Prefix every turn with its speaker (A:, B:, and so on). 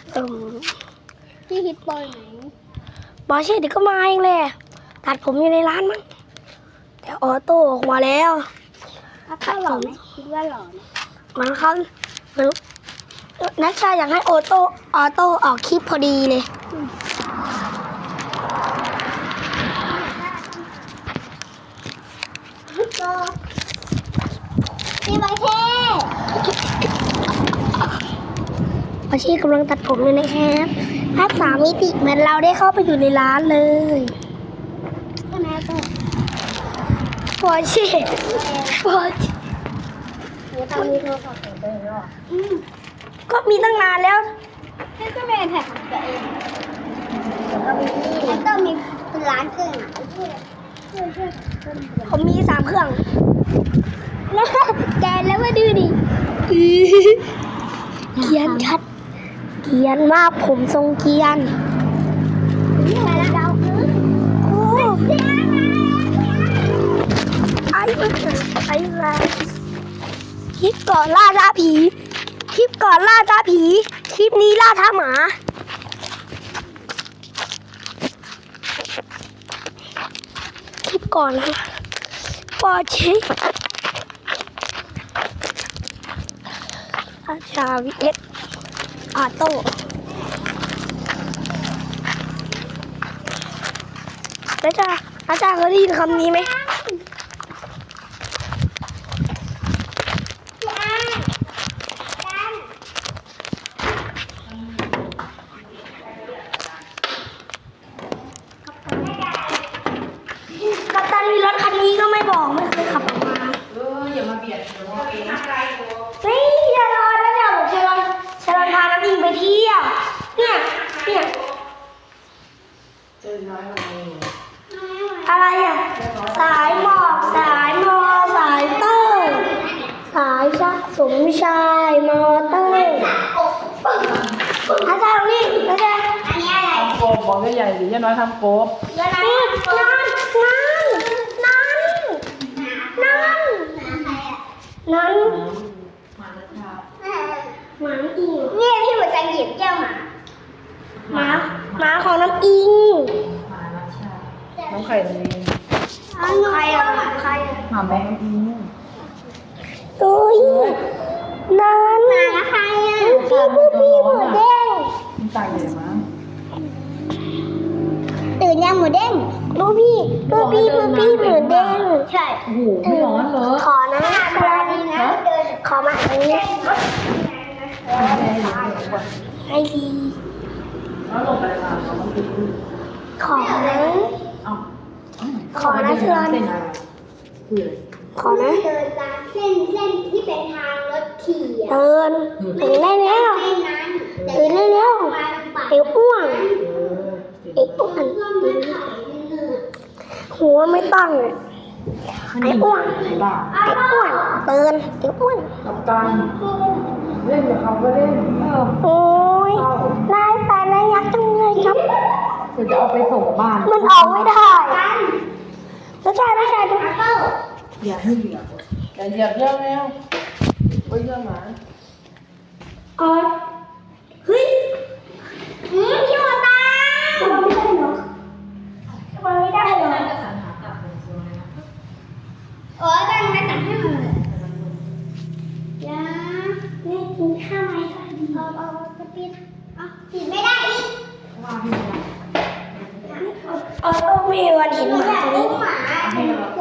A: เอิ่ม
B: พี่ฮิตบอยไหน
A: บอสเช่เดี๋ยวก็มาเองแหละตัดผมอยู่ในร้านมั้งแต่ออโต้ออกมาแล้ว
B: ถ้าหล่อไหมคิดว่าหล่อไหม
A: มันเขานักชาอยากให้ออโต้ออกคลิปพอดีเลย
B: พี่บอยเท่
A: บอสเช่กำลังตัดผมอยู่นะครับภาพ3 มิติเหมือนเราได้เข้าไปอยู่ในร้านเลย
B: ใช่ไหมก็
A: บอสเช่บอส
B: หนูทำมีโทรศัพท์ของตัวเองหรอ
A: ก็มีตั้งนานแล้ว
B: นี่ก็เป็นแท็กของตัวเองแล้วก็มีเป็นร้านเครื่องอ่ะช่วย
A: ผมมี3 เครื่อง
B: แกแล้วมาดูดิ
A: เกียนชัดเกียนมากผมทรงเกียน
B: มาแล้วเราคือ
A: โอ้ไอ้ไรคลิปก่อนล่าท้าผีคลิปก่อนล่าท้าผีคลิปนี้ล่าท้าหมาคลิปก่อนนะปอเช็คอาชาวิเอสอาโต้อาจารย์เคยได้ยินคำนี้ไหม
B: พี่อ้ายกัน
A: กัปตันมีรถคันนี้ก็ไม่บอกไม่เคยขับออกมา
C: อย่ามาเบียดเดี๋ยวเราเอง
A: เฮ้ยชาลอนนะเนี่ยผมชาลอนพาน้ำอิงไปเที่ยวเนี่ย
C: เจอน้อยมาเอง
A: อะไรอ่ะสายหมอกสายมอสายเตอร์สายชักสมชายมอเตอร์อาจารย์นี่อาจารย์
B: อันนี้อะไร
C: ทำโกบบอกใหญ่ๆหรือย่าน้อยทำโกบ
B: เวลา
A: นี่
B: ทำ
A: นั้น
C: มาแล้วค่ะ
A: หมาอิง
B: เนี่ยพี่หัวใจหยิบแก้วหมา
A: หมาของน้ำอิง
C: มาแล้วใช่น้องไข่เลย
A: ใครอ่ะใครอ่ะ
C: หมาแม่อิง
A: เอ้ยนั้น
B: หมาละใครอ่ะ
A: พี่หมูเด้ง
C: มันตายเลยมั้ง
B: ตื่นยังหมูเด้ง
A: ดูพี่หมูเด้ง
B: ใช่
C: โอ้โหไม่ร้อนเหรอ
A: ขอนะขอมาอันนี้ให้ดี
C: แล้วลงไปค่ะเขาต้องกิน
A: ขอนะ
C: เอ้า
A: ขอนะเชิญ
C: เส้นอะไรคืออะไร
A: ขอนะ
B: เดินตามเส้นที่เป็นทางรถขี่อ่ะ
A: ตื่นได้แล้ว
B: เส้นนั้น
A: ตื่นได้แล้วเอวอ้วน
C: เออ
A: เอวอ้วน
B: ก็ไม่ขายเนื้อ
A: หัวไม่ตั้งไอ้อ้วน
C: ไอ้บ้า
A: ไอ้อ้วนตื่นไอ้อ้วน
C: กับตันเล่นกับเขาก็เล่น
A: โอ้ยนายแต่นายยักษ์จังเลยครับ
C: เดี๋ยวจะเอาไปส่งบ้าน
A: มันออกไม่ได้แล้วชายดู
C: อย่าให้เหยียบอย่าเหยียบเยอะแล้วไว้เยอะหมา
A: อ๋อเฮ้ย
B: พี่หัวตา
A: ทำไมไม่ได้เหรอทำไมไม่ได้เหรอ
B: โอ้ยแบ่งไปตัดให้หมดเลยยา
A: นี่กินข้าวไหมคะดี
B: เอาจะปิดปิดไม่ได้อีก
C: ว่าพี่
A: ต้องมีวันเห็นหมาตัวนี้
B: หมา